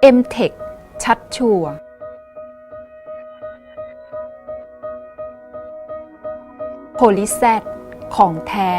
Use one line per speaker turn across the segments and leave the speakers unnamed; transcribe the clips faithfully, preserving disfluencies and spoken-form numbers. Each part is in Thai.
เอ็ม เทค ชัดชัวร์โพลิแซดของแท้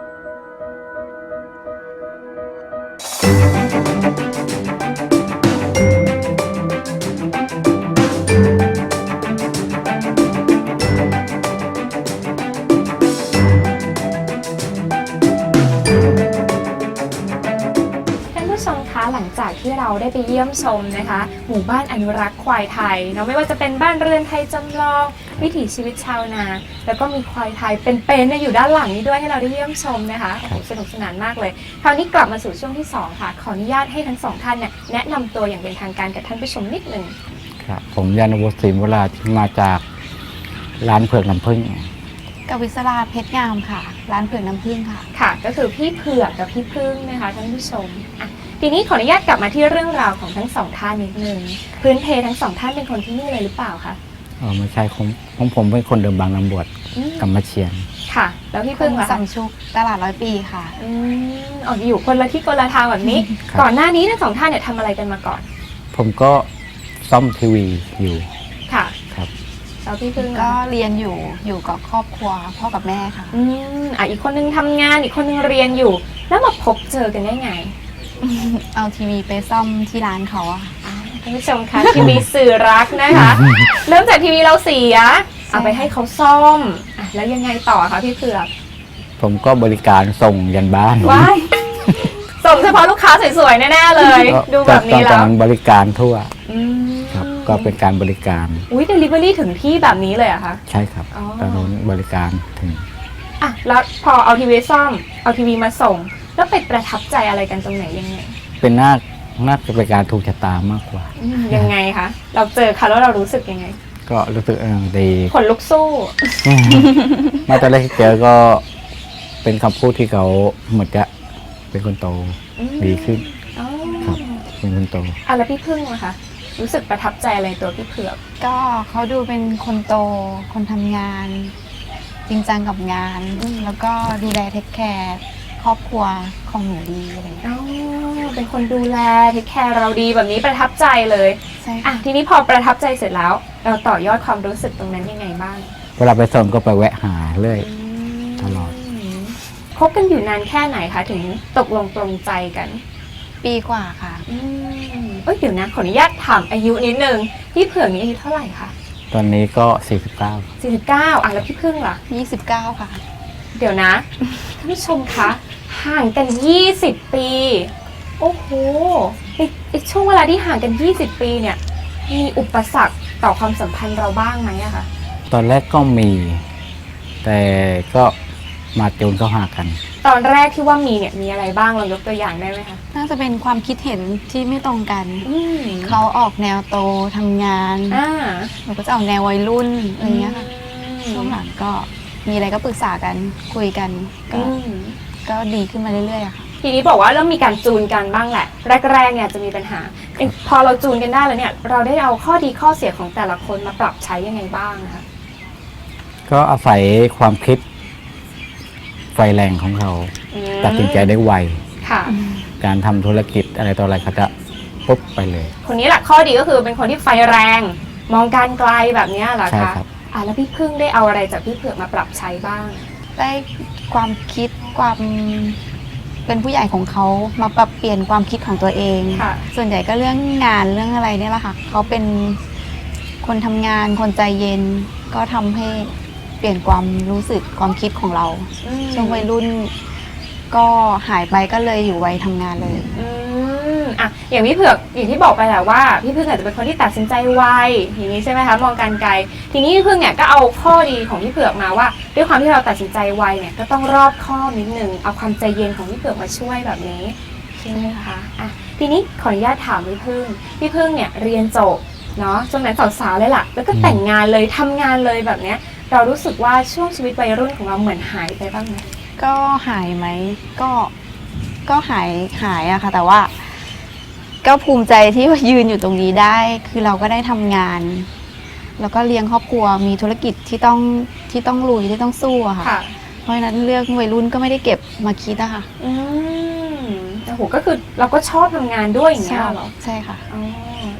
หลังจากที่เราได้ไปเยี่ยมชมนะคะหมู่บ้านอนุรักษ์ควายไทยเนาะไม่ว่าจะเป็นบ้านเรือนไทยจำลองวิถีชีวิตชาวนาแล้วก็มีควายไทยเป็นๆอยู่ด้านหลังนี้ด้วยให้เราได้เยี่ยมชมนะคะโอ้โหสนุกสนานมากเลยคราวนี้กลับมาสู่ช่วงที่สองค่ะขออนุญาตให้ทั้งสองท่านเนี่ยแนะนำตัวอย่างเป็นทางการกับท่านผู้ชมนิดหนึ่ง
ครับผมยานวุฒิศรีวราที่มาจากร้านเผือกน้ำผึ้ง
กวิศราเพชรงามค่ะร้านเผือกน้ำผึ้งค่ะ
ค่ะก็คือพี่เผือกกับพี่ผึ้งนะคะท่านผู้ชมอ่ะทีนี้ขออนุญาตกลับมาที่เรื่องราวของทั้งสองท่านนิดนึงพื้นเพทั้งสองท่านเป็นคนที่นี่เลยหรือเปล่าคะ
อ๋อไม่ใช่ของของผมเป็นคนเดิมบางลำบวชกำมะเชียน
ค่ะแล้วพี่ผึ้งล่ะ
สัมชุกตลาดร้อยปีค่ะ
อืมอ๋ออยู่คนละที่คนละทางแบบนี้ก่อนหน้านี้ทั้งสองท่านเนี่ยทำอะไรกันมาก่อน
ผมก็ซ่อมทีวีอยู่
ค่ะ
ครับ
แล้วพี่ผึ้ง
ก็เรียนอยู่อยู่กับครอบครัวพ่อกับแม่ค่ะ
อืมอ่ะอีกคนนึงทำงานอีกคนนึงเรียนอยู่แล้วมาพบเจอกันได้ไง
เอาทีวีไปซ่อมที่ร้านเขาอะ
ท่านผู้ชมคะทีวีสื่อรักนะคะเริ่มจากทีวีเราเสียเอาไปให้เขาซ่อมอ่ะแล้วยังไงต่อคะพี่เผือก
ผมก็บริการส่งยันบ้าน
ว้ายส่งเฉพาะลูกค้าสวยๆแน่ๆเลยดูแบบนี้แล้ว
บริการทั่วครับก็เป็นการบริการ
อุ้ยเดลิเวอรี่ถึงที่แบบนี้เลยอะคะ
ใช่ครับตอนนั้นบริการถึง
อ่ะแล้วพอเอาทีวีซ่อมเอาทีวีมาส่งแล้วไปประทับใจอะไรกันตรงไหนยังไง
เป็นน่าน่าจะเป็นการถูกชะตามากกว่า
ยังไงคะเราเจอเขาแล้วเรารู้สึกยังไง
ก็รู้สึกดี
ขนลุกสู้
มาตอนแรกที่เจอก็เป็นคำพูดที่เขาเหมือนจะเป็นคนโตดีขึ้นครับเป็นคนโต
อ่ะแล้วพี่ผึ้งอะคะรู้สึกประทับใจอะไรตัวพี่เผือก
ก็เขาดูเป็นคนโตคนทำงานจริงจังกับงานแล้วก็ดูแลเทคแคร์ครอบครัวของหนูดีอะไรอย่างเงี้ย
อ๋อเป็นคนดูแลเทคแคร์เราดีแบบนี้ประทับใจเลย
ใช่
อ่ะทีนี้พอประทับใจเสร็จแล้วเราต่อยอดความรู้สึกตรงนั้นยังไงบ้าง
เวลาไปส่งก็ไปแวะหาเรื่อยตลอด
คบกันอยู่นานแค่ไหนคะถึงตกลงปรงใจกัน
ปีกว่าค่ะ
อืมเอ้ยเดี๋ยวนะขออนุญาตถามอายุนิดนึงพี่เผือกนี่อายุเท่าไหร่คะ
ตอนนี้ก็สี่สิบเก้า
สี่สิบเก้าอ่ะแล้วพี่ผึ้งล่ะ
ยี่สิบเก้าค่ะ
เดี๋ยวนะท่านผู้ชมคะห่างกันยี่สิบปีโอ้โหไอ้ช่วงเวลาที่ห่างกันยี่สิบปีเนี่ยมีอุปสรรคต่อความสัมพันธ์เราบ้างไหมอะคะ
ตอนแรกก็มีแต่ก็มาจูนเข้าหากัน
ตอนแรกที่ว่ามีเนี่ยมีอะไรบ้างเรายกตัวอย่างได้ไหมคะ
น่าจะเป็นความคิดเห็นที่ไม่ตรงกันเขาออกแนวโตทำงานหนูก็จะออกแนววัยรุ่นอะไรเงี้ยค่ะช่วงหลังก็มีอะไรก็ปรึกษากันคุยกันก็ก็ดีขึ้นมาเรื่อยๆอะค่ะ
ทีนี้บอกว่าเริ่มมีการจูนกันบ้างแหละแรกๆเนี่ยจะมีปัญหาพอเราจูนกันได้แล้วเนี่ยเราได้เอาข้อดีข้อเสียของแต่ละคนมาปรับใช้ยังไงบ้างนะคะ
ก็อาศัยความคิดไฟแรงของเขาตัดสินใจได้ไวการทำธุรกิจอะไรต่ออะไรเขาจะปุ๊บไปเลย
คนนี้แหละข้อดีก็คือเป็นคนที่ไฟแรงมองการไกลแบบนี้เหรอคะอ่ะแล้วพี่ผึ้งได้เอาอะไรจากพี่เผือกมาปรับใช้บ้าง
ได้ความคิดความเป็นผู้ใหญ่ของเขามาปรับเปลี่ยนความคิดของตัวเองส่วนใหญ่ก็เรื่องงานเรื่องอะไรเนี่ยแหละค่ะเขาเป็นคนทำงานคนใจเย็นก็ทำให้เปลี่ยนความรู้สึกความคิดของเราช่วงวัยรุ่นก็หายไปก็เลยอยู่วัยทำงานเลย
อืมอ่ะอย่างพี่เผือกอย่างที่บอกไปแหละว่าพี่ผึ้งอาจจะเป็นคนที่ตัดสินใจไวอย่างนี้ใช่ไหมคะมองการไกลทีนี้พี่ผึ้งเนี่ยก็เอาข้อดีของพี่เผือกมาว่าด้วยความที่เราตัดสินใจไวเนี่ยก็ต้องรอบคอบนิดนึงเอาความใจเย็นของพี่เผือกมาช่วยแบบนี้ใช่ไหมคะอ่ะทีนี้ขออนุญาตถามพี่ผึ้งพี่ผึ้งเนี่ยเรียนจบเนาะช่วงนั้นสาวๆเลยล่ะแล้วก็แต่งงานเลยทำงานเลยแบบเนี้ยเรารู้สึกว่าช่วงชีวิตวัยรุ่นของเราเหมือนหายไปบ้างไหม
ก็หายไหมก็ก็หายหายอะค่ะแต่ว่าก็ภูมิใจที่ยืนอยู่ตรงนี้ได้คือเราก็ได้ทำงานแล้วก็เลี้ยงครอบครัวมีธุรกิจที่ต้องที่ต้องลุยที่ต้องสู้อะค่ะเพราะฉะนั้นเรื่องวัยรุ่นก็ไม่ได้เก็บมาคิดอะค่ะ
อืมโอ้โหก็คือเราก็ชอบทำงานด้วยอย่างเงี้ยหรอ
ใช่ค่ะ
อ๋อ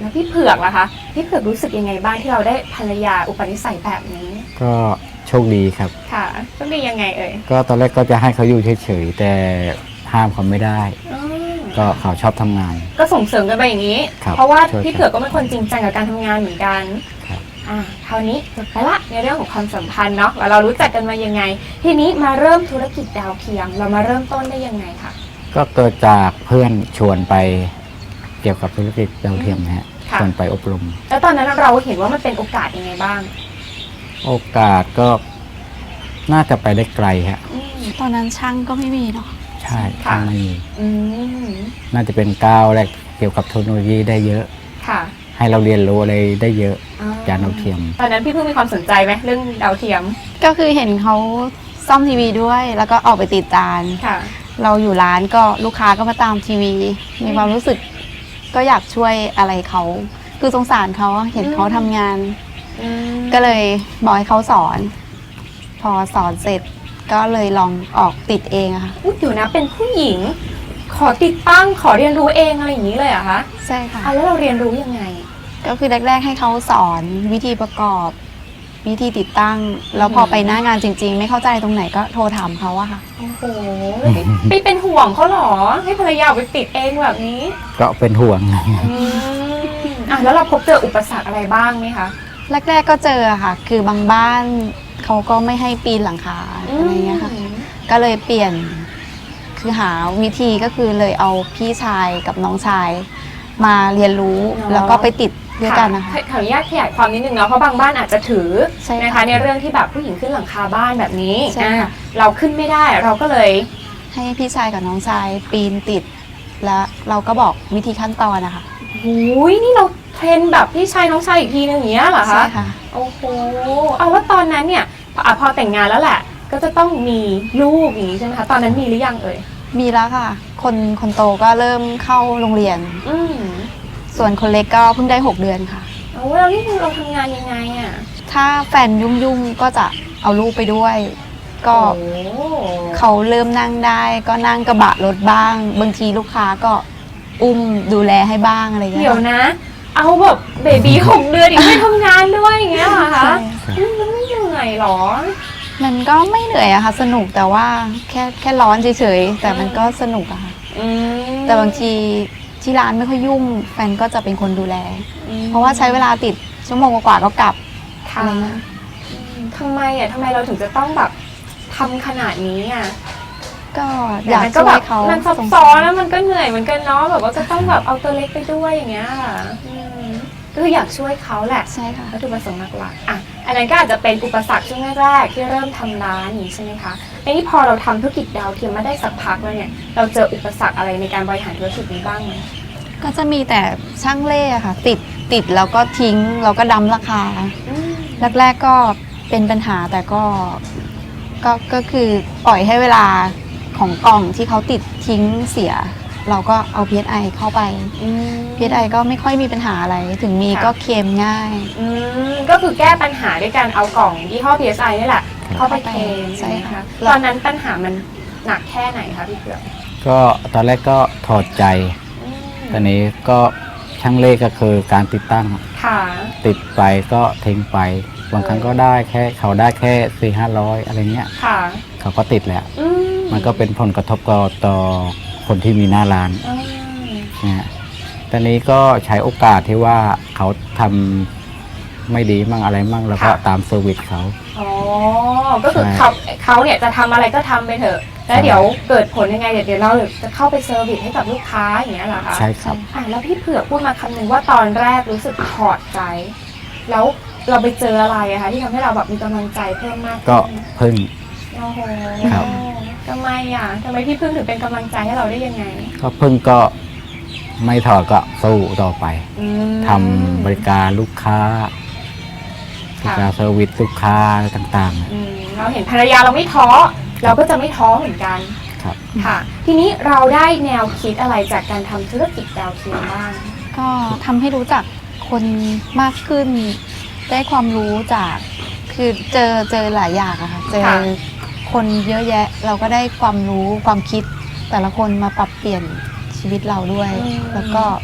แล้วพี่เผือกล่ะคะพี่เผือกรู้สึกยังไงบ้างที่เราได้ภรรยาอุปนิสัยแบบนี้
ก็โชคดีครับ
ค่ะต้องดียังไงเอ่ย
ก็ตอนแรกก็จะให้เขาอยู่เฉยๆแต่ห้ามเขาไม่ได้
อืม
ก็เขาชอบทำงาน
ก็ส่งเสริมกันไปอย่างนี้
ครับ
เพราะว่า
ช่วยกัน
พี่เผือกก็เป็นคนจริงจังกับการทำงานเหมือนกัน
ครับ
อ่าคราวนี้จบไปละในเรื่องของความสัมพันธ์เนาะว่าเรารู้จักกันมายังไง ทีนี้มาเริ่มธุรกิจดาวเทียมเรามาเริ่มต้นได้ยังไงคะ
ก็เกิดจากเพื่อนชวนไปเกี่ยวกับธุรกิจดาวเทียมนะฮะ
ค่ะ
ชวนไปอบรม
แล้วตอนนั้นเราเห็นว่ามันเป็นโอกาสยังไงบ้าง
โอกาสก็น่าจะไปได้ไกลฮะ
อืม
ตอนนั้นช่างก็ไม่มีเนาะ
ใช่
ค่ะ
ถ้าไม่มี
อืม
น่าจะเป็นก้าวแรกเกี่ยวกับเทคโนโลยีได้เยอะ
ค่ะ
ให้เราเรียนรู้อะไรได้เยอะ
อ๋อ
จานดาวเทียม
ตอนนั้นพี่เพิ่งมีความสนใจไหมเรื่องดาวเทียม
ก็คือเห็นเขาซ่อมทีวีด้วย แล้วก็ออกไปติดจาน
ค่ะ
เราอยู่ร้านก็ลูกค้าก็มาตามทีวี มีความรู้สึกก็อยากช่วยอะไรเขา คือสงสารเขาเห็นเขาทำงาน
อืม
ก็เลยบอกให้เขาสอน พอสอนเสร็จก็เลยลองออกติดเองอะค่ะ
อุ๊ยเดี๋ยวนะเป็นผู้หญิง ขอติดตั้งขอเรียนรู้เองอะไรอย่างนี้เลยเหรอะคะ
ใช่ค่ะ
อ่ะแล้วเราเรียนรู้ยังไง
ก็คือแรกๆให้เขาสอนวิธีประกอบ วิธีติดตั้ง แล้วพอไปหน้างานจริง ๆ ไม่เข้าใจตรงไหนก็โทรถามเขาอะค่ะ
โอ้โหไปเป็นห่วงเขาเหรอ ให้ภรรยาไปติดเองแบบนี้
ก็เป็นห่วง
อืมอ่ะแล้วเราพบเจออุปสรรคอะไรบ้างไหมคะ
แรกๆก็เจออะค่ะ คือบางบ้านเขาก็ไม่ให้ปีนหลังคาอะไรเงี้ยค่ะ ก็เลยเปลี่ยน คือหาวิธีก็คือเลยเอาพี่ชายกับน้องชาย มาเรียนรู้
อ๋อ
แล้วก็ไปติดด้วยกันนะคะ
ขออนุญาตขยายความนิดนึงเนาะเพราะบางบ้านอาจจะถือ
ใช่ค่ะ
นะคะในเรื่องที่แบบผู้หญิงขึ้นหลังคาบ้านแบบนี้
ใช่ค่ะ
อ่ะเราขึ้นไม่ได้เราก็เลย
ให้พี่ชายกับน้องชายปีนติด แล้วเราก็บอกวิธีขั้นตอนนะคะ
หูยนี่เราเทรนแบบพี่ชายน้องชายอีกทีนึงอย่างเงี้ยเหรอ
ใช่
คะ
ค่ะ
โอ้โหเอาแล้วตอนนั้นเนี่ยพออ่ะพอแต่งงานแล้วแหละ ก็จะต้องมีลูกอย่างนี้ใช่ไหมคะตอนนั้นมีหรือยังเอ่ย
มีแล้วค่ะ คนคนโตก็เริ่มเข้าโรงเรียน
อืม
ส่วนคนเล็กก็เพิ่งได้หกเดือนค่ะ
เอาแล้วนี่เราทำงานยังไงอ่ะ
ถ้าแฟนยุ่งๆก็จะเอาลูกไปด้วย ก็
โอ้
เขาเริ่มนั่งได้ก็นั่งกระบะรถบ้าง บางทีลูกค้าก็อุ้มดูแลให้บ้างอะไรอย่างเงี้
เดี๋ย
ยว
นะ เอาแบบเบบีหกเดือนอีกไม่ทำงานด้วยอย่างเงี้ยเหรอคะ
ใช่
อืมแล้วไม่เหนื่อยเหรอ
มันก็ไม่เหนื่อยอะค่ะสนุกแต่ว่าแค่แค่ร้อนเฉยๆแต่มันก็สนุกอะค่ะ
อืม
แต่บางทีที่ร้านไม่ค่อยยุ่ง แฟนก็จะเป็นคนดูแล
อืม
เพราะว่าใช้เวลาติดชั่วโมงกว่าๆก็กลับ
ค่ะ
อะไรเงี้ย
อืมทำไมอ่ะทำไมเราถึงจะต้องแบบทำขนาดนี้อ่ะ
ก็อยาก
มันก็
ช่
แบ
วย
บ
เขา
มันซับ
สง
ซ้
สา
อน
ร
แล้วมันก็เหนื่อยเหมือนกันเนาะแบบว่าก็ต้องแบบเอาตัวเล็กไปด้วยอย่างเงี้ยค่ะอืมก็คืออยากช่วยเขาแหละ
ใช่ค่ะ
วัตถุประสงค์หลักๆอ่ะอันนั้นก็อาจจะเป็นอุปสรรคช่วงแรกๆที่เริ่มทำร้านอย่างนี้ใช่ไหมคะในนี้พอเราทำธุรกิจดาวเทียมมาได้สักพักแล้วเนี่ยเราเจออุปสรรคอะไรในการบริหารธุรกิจนี้บ้างไหม
ก็จะมีแต่ช่างเล่อะค่ะ ติดติดแล้วก็ทิ้งแล้วก็ดำราคา
อืม
แรกๆก็เป็นปัญหาแต่ก็ก็ก็คือปล่อยให้เวลาของกล่องที่เขาติดทิ้งเสีย เราก็เอา พี เอส ไอ เข้าไป
อืม
พี เอส ไอ ก็ไม่ค่อยมีปัญหาอะไร ถึงมี
ค่ะ
ก็เคลมง่าย
อืมก็คือแก้ปัญหาด้วยการเอากล่องยี่ห้อ พี เอส ไอ นี่แหละเข้าไปเคลม
ใช่
ใช่ไหม
ค่ะ
คะตอนนั้นปัญหามันหนักแค่ไหนคะพี่เผือก
ก็ตอนแรกก็ถอดใจ
อืม
ตอนนี้ก็ช่างเลขก็คือการติดตั้ง
ค่ะ
ติดไปก็ทิ้งไป บางครั้งก็ได้แค่เขาได้แค่สี่ห้าร้อยอะไรเงี้ย
ค่ะ
เขาก็ติดแหละ
อืม
มันก็เป็นผลกระทบต่อต่อคนที่มีหน้าร้าน
อืม
นะฮะตอนนี้ก็ใช้โอกาสที่ว่าเขาทำไม่ดีมั่งอะไรมั่งแล้วก็ตามเซอร์วิสเขา
อ๋อ ก็คือ
ใช่
เขาเขาเนี่ยจะทำอะไรก็ทำไปเถอะ แล้วเดี๋ยวเกิดผลยังไงเดี๋ยวเดี๋ยวเราจะเข้าไปเซอร์วิสให้กับลูกค้าอย่างเงี้ยเหรอคะ
ใช่ครับ
อ่ะแล้วพี่เผือกพูดมาคำหนึ่งว่าตอนแรกรู้สึกถอดใจ แล้วเราไปเจออะไรอะคะที่ทำให้เราแบบมีกำลังใจเพิ่มมากขึ้น
ก็พึ่ง
โอ้โห
ครับ
ทำไมอ่ะทำไมพี่พึ่งถึงเป็นกำลังใจให้เราได้ยังไง
ก็พึ่งก็ไม่ถอดก็สู้ต่อไป
อืม
ทำบริการลูกค้าบ
ค่ะ
ริการเซอร์วิสลูกค้าอะไรต่าง
อืมเราเห็นภรรยาเราไม่ท้อ เราก็จะไม่ท้อเหมือนกัน
ๆครับ
ค่ะ ทีนี้เราได้แนวคิดอะไรจากการทำธุรกิจดาวเทียมบ้าง
ก็ทำให้รู้จักคนมากขึ้น ได้ความรู้จากคือเจอเจอหลายอย่างอะค่ะเจอ
ค่ะ
คนเยอะแยะ เราก็ได้ความรู้ความคิด แต่ละคนมาปรับเปลี่ยนชีวิตเราด้วย แล้วก็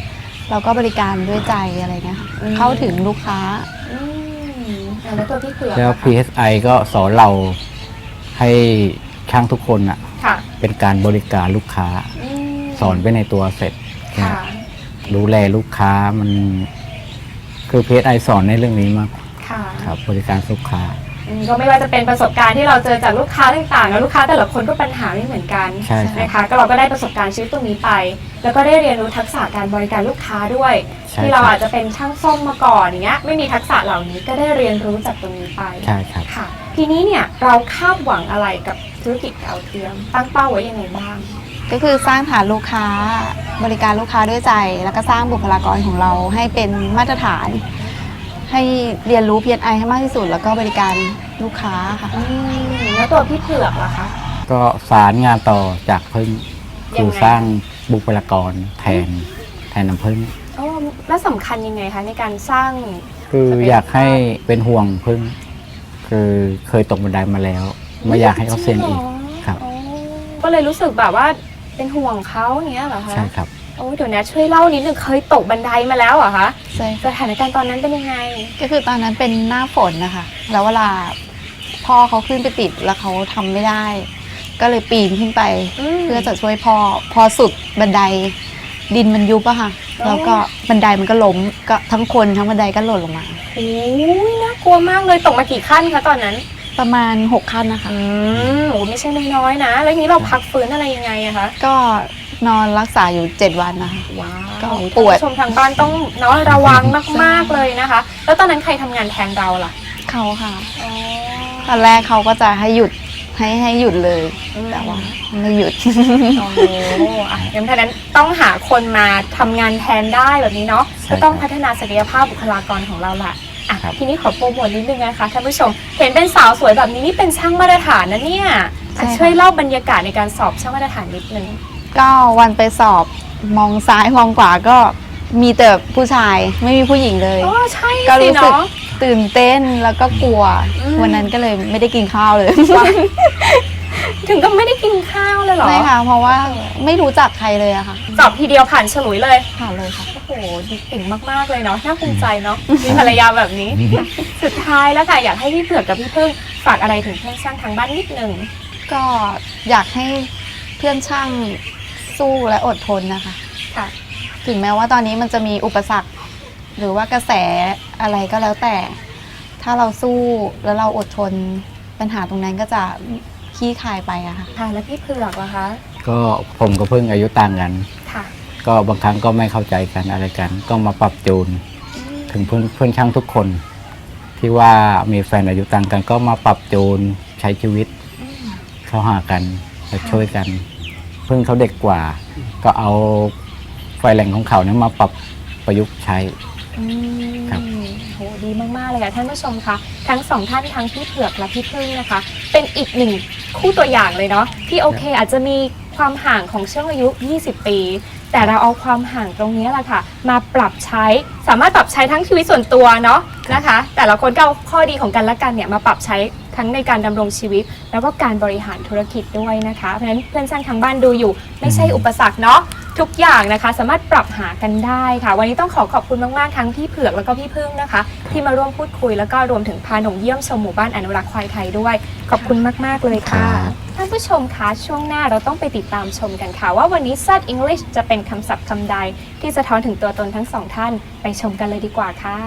เราก็บริการด้วยใจอะไรเงี้ยค่ะเข้าถึงลูกค้า
อืมอ่ะแล้วตัวพี่เผือก
แล้ว
อะ
พี เอส ไอ ก็สอนเราให้ช่างทุกคนอ่ะ
ค่ะ
เป็นการบริการลูกค้า
อืม
สอนไปในตัวเสร็จ
ค่ะ
ดูแลลูกค้ามันคือ พี เอส ไอ สอนในเรื่องนี้มาก
ค่ะ
ครับบริการลูกค้า
อืมก็ไม่ว่าจะเป็นประสบการณ์ที่เราเจอจากลูกค้าต่างๆแล้วลูกค้าแต่ละคนก็ปัญหาไม่เหมือนกัน
ใช่ครับ
นะคะก็เราก็ได้ประสบการณ์ชีวิตตรงนี้ไป แล้วก็ได้เรียนรู้ทักษะการบริการลูกค้าด้วย
ใช่
ที่เรา
ครับ
อาจจะเป็นช่างซ่อมมาก่อนอย่างเงี้ยไม่มีทักษะเหล่านี้ก็ได้เรียนรู้จากตรงนี้ไป
ใช่ครับ
ค่ะ ทีนี้เนี่ยเราคาดหวังอะไรกับธุรกิจดาวเทียมตั้งเป้าไว้ยังไงบ้าง
ก็คือสร้างฐานลูกค้าบริการลูกค้าด้วยใจ แล้วก็สร้างบุคลากรของเราให้เป็นมาตรฐาน ให้เรียนรู้ พี เอส ไอ ให้มากที่สุด แล้วก็บริการลูกค้าค่ะ
อืมแล้วตัวพี่เผือกล่ะคะ
ก็สารงานต่อจากพึ่ง
ยังไง
คือสร้างบุคลากรแทนแทนน้ำพึ่ง
โอ้แล้วสำคัญยังไงคะในการสร้าง
คืออยากให้เป็นห่วงพึ่ง คือเคยตกบันไดมาแล้ว ไม่อยากให้เขาเสี่ยงอีกครับ
อ๋อก็เลยรู้สึกแบบว่าเป็นห่วงเขาอย่างเงี้ยเหรอคะ
ใช่ครับ
โอ้เดี๋ยวนะช่วยเล่านิดนึงเคยตกบันไดมาแล้วเหรอคะ
ใช่
สถานการณ์ตอนนั้นเป็นยังไง
ก็คือตอนนั้นเป็นหน้าฝนนะคะ แล้วเวลาพ่อเขาขึ้นไปติดแล้วเขาทำไม่ได้ ก็เลยปีนขึ้นไป
อืม
เพื่อจะช่วยพ่อ พอสุดบันไดดินมันยุบอะค่ะ
อ๋อ
แล้วก็บันไดมันก็ล้มก็ทั้งคนทั้งบันไดก็หล่นลงมา
โอ้ยน่ากลัวมากเลยตกมากี่ขั้นคะตอนนั้น
ประมาณหกขั้นนะคะ
อืมโอ้ไม่ใช่น้อยๆนะ แล้วทีนี้เราพักฟื้นอะไรยังไงอะคะ
ก็นอนรักษาอยู่เจ็ดวันนะคะ
ว้าว
ก็
ท่าน
ปวด
ผู้ชมทางบ้านต้องเนาะระวังมากๆเลยนะคะ แล้วตอนนั้นใครทำงานแทนเราล่ะ
เขาค่ะ
อ๋อ
ตอนแรกเขาก็จะให้หยุดให้ให้หยุดเลย
อืม
แต่ว่าไม่หยุด
โอ้โหอ่ะงั้นเพราะฉะนั้นต้องหาคนมาทำงานแทนได้แบบนี้เนาะ
ใช่
ก็ต้อง
ครับ
พัฒนาศักยภาพบุคลากรของเราละอ่ะ
ครับ
ทีนี้ขอโปรโมทนิดนึงนะคะท่านผู้ชม เห็นเป็นสาวสวยแบบนี้นี่เป็นช่างมาตรฐานนะเนี่ย
ใช่
อ่ะ
ค่ะ
ช่วยเล่าบรรยากาศในการสอบช่างมาตรฐานนิดนึง
ก็วันไปสอบมองซ้ายมองขวาก็มีแต่ผู้ชายไม่มีผู้หญิงเลย
อ๋อใช่
ก็
สิ
รู้สึก
เนาะ
ตื่นเต้นแล้วก็กลัว
อืม
วันนั้นก็เลยไม่ได้กินข้าวเลย
ถึงก็ไม่ได้กินข้าวเลยเหรอ
ไม่ค่ะ เพราะว่าไม่รู้จักใครเลยอะค่ะ
สอบทีเดียวผ่านฉลุยเลย
ผ่านเลยค่ะ
โอ้โหเก่งมากๆเลยเนาะน่าภูมิใจเนาะมีภรรยาแบบนี้ สุดท้ายแล้วค่ะอยากให้พี่เผือกกับพี่พึ่งฝากอะไรถึงเพื่อนช่างทางบ้านนิดนึง
ก็อยากให้เพื่อนช่างสู้และอดทนนะคะ
ค่ะ
ถึงแม้ว่าตอนนี้มันจะมีอุปสรรค หรือว่ากระแสอะไรก็แล้วแต่ ถ้าเราสู้แล้วเราอดทนปัญหาตรงนั้นก็จะคลี่คลายไปอะค่ะ
ค่ะแล้วพี่เผือกล่ะคะ
ก็ผมกับพึ่งอายุต่างกัน
ค่ะ
ก็บางครั้งก็ไม่เข้าใจกันอะไรกัน ก็มาปรับจูน ถึงเพื่อนเพื่อนช่างทุกคน ที่ว่ามีแฟนอายุต่างกัน ก็มาปรับจูนใช้ชีวิต เข้าหากันและช่วยกัน เพิ่งเขาเด็กกว่า ก็เอาไฟแรงของเขาเนี่ยมาปรับประยุกต์ใช้
อืม
ครับ
โหดีมากๆเลยค่ะท่านผู้ชมคะทั้งสองท่านทั้งพี่เผือกและพี่พึ่งนะคะ เป็นอีกหนึ่งคู่ตัวอย่างเลยเนาะที่โอเคอาจจะมีความห่างของช่วงอายุ ยี่สิบ ปี แต่เราเอาความห่างตรงนี้แหละค่ะ มาปรับใช้สามารถปรับใช้ทั้งชีวิตส่วนตัวเนาะนะคะ แต่ละคนก็เอาข้อดีของกันและกันเนี่ยมาปรับใช้ทั้งในการดำรงชีวิต แล้วก็การบริหารธุรกิจด้วยนะคะเพราะฉะนั้นเพื่อนช่างทางบ้านดูอยู่ ไม่ใช่อุปสรรคเนาะทุกอย่างนะคะสามารถปรับหากันได้ค่ะ วันนี้ต้องขอขอบคุณมากๆทั้งพี่เผือกแล้วก็พี่พึ่งนะคะ ที่มาร่วมพูดคุยแล้วก็รวมถึงพาหนงเยี่ยมชมหมู่บ้านอนุรักษ์ควายไทยด้วย ขอบคุณมากๆเลยค่ะ
ครับ
ท่านผู้ชมคะช่วงหน้าเราต้องไปติดตามชมกันค่ะ ว่าวันนี้ แซด English จะเป็นคำศัพท์คำใด ที่สะท้อนถึงตัวตนทั้งสองท่านไปชมกันเลยดีกว่าค่ะ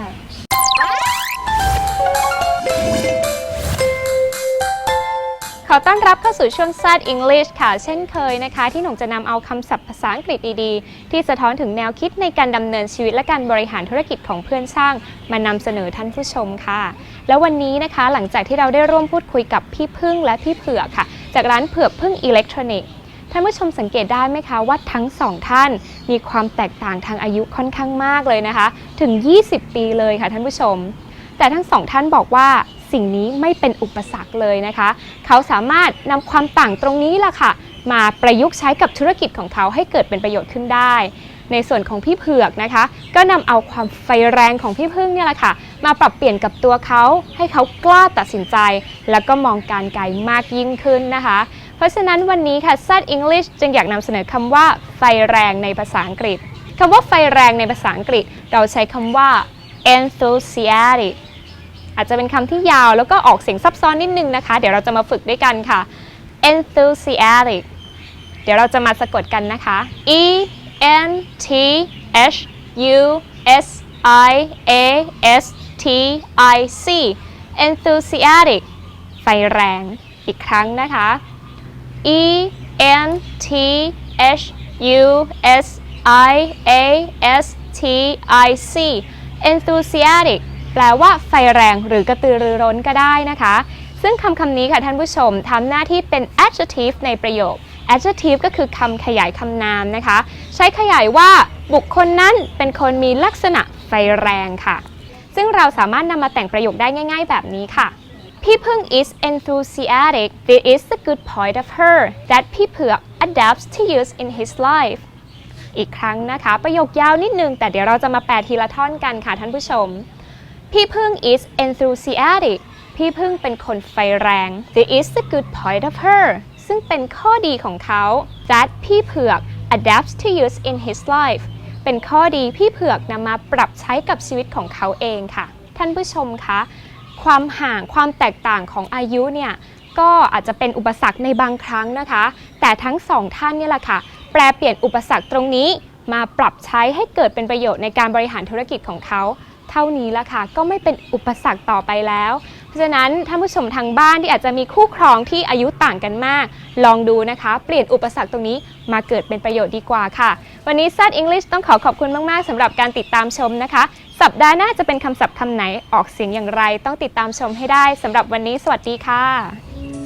ขอต้อนรับเข้าสู่ช่วง แซด English ค่ะ เช่นเคยนะคะ ที่หนุ่มจะนำเอาคำศัพท์ภาษาอังกฤษดีๆ ที่สะท้อนถึงแนวคิดในการดำเนินชีวิตและการบริหารธุรกิจของเพื่อนช่างมานำเสนอท่านผู้ชมค่ะ แล้ววันนี้นะคะหลังจากที่เราได้ร่วมพูดคุยกับพี่พึ่งและพี่เผือกค่ะ จากร้านเผือกพึ่งอิเล็กทรอนิกส์ท่านผู้ชมสังเกตได้ไหมคะว่าทั้งสองท่านมีความแตกต่างทางอายุค่อนข้างมากเลยนะคะ ถึง ยี่สิบ ปีเลยค่ะท่านผู้ชม แต่ทั้งสองท่านบอกว่าสิ่งนี้ไม่เป็นอุปสรรคเลยนะคะ เขาสามารถนำความต่างตรงนี้ล่ะค่ะ มาประยุกต์ใช้กับธุรกิจของเขาให้เกิดเป็นประโยชน์ขึ้นได้ ในส่วนของพี่เผือกนะคะ ก็นำเอาความไฟแรงของพี่พึ่งเนี่ยแหละค่ะ มาปรับเปลี่ยนกับตัวเขาให้เขากล้าตัดสินใจ แล้วก็มองการไกลมากยิ่งขึ้นนะคะ เพราะฉะนั้นวันนี้ค่ะ แซด English จึงอยากนำเสนอคำว่าไฟแรงในภาษาอังกฤษคำว่าไฟแรงในภาษาอังกฤษเราใช้คำว่า enthusiastic อาจจะเป็นคำที่ยาวแล้วก็ออกเสียงซับซ้อนนิดนึงนะคะเดี๋ยวเราจะมาฝึกด้วยกันค่ะ enthusiastic เดี๋ยวเราจะมาสะกดกันนะคะ e n t h u s i a s t i c enthusiastic ไฟแรงอีกครั้งนะคะ e n t h u s i a s t i c enthusiastic แปลว่าไฟแรงหรือกระตือรือร้นก็ได้นะคะซึ่งคำคำนี้ค่ะท่านผู้ชมทำหน้าที่เป็น adjective ในประโยค adjective ก็คือคำขยายคำนามนะคะใช้ขยายว่าบุคคลนั้นเป็นคนมีลักษณะไฟแรงค่ะซึ่งเราสามารถนำมาแต่งประโยคได้ง่ายๆแบบนี้ค่ะพี่พึ่ง is enthusiastic. This is the good point of her that พี่เผือก adapts to use in his life. อีกครั้งนะคะประโยคยาวนิดนึงแต่เดี๋ยวเราจะมาแปลทีละท่อนกันค่ะท่านผู้ชมพี่พึ่ง is enthusiastic. พี่พึ่งเป็นคนไฟแรง This is the good point of her. ซึ่งเป็นข้อดีของเขา that พี่เผือก adapts to use in his life. เป็นข้อดีพี่เผือกนำมาปรับใช้กับชีวิตของเขาเองค่ะท่านผู้ชมคะความห่างความแตกต่างของอายุเนี่ยก็อาจจะเป็นอุปสรรคในบางครั้งนะคะแต่ทั้งสองท่านเนี่ยแหละค่ะแปลเปลี่ยนอุปสรรคตรงนี้มาปรับใช้ให้เกิดเป็นประโยชน์ในการบริหารธุรกิจของเขาเท่านี้ละค่ะก็ไม่เป็นอุปสรรคต่อไปแล้วเพราะฉะนั้นท่านผู้ชมทางบ้านที่อาจจะมีคู่ครองที่อายุต่างกันมากลองดูนะคะเปลี่ยนอุปสรรคตรงนี้มาเกิดเป็นประโยชน์ดีกว่าค่ะวันนี้ Start English ต้องขอขอบคุณมากๆสำหรับการติดตามชมนะคะสัปดาห์หน้าจะเป็นคำศัพท์คำไหนออกเสียงอย่างไรต้องติดตามชมให้ได้สำหรับวันนี้สวัสดีค่ะ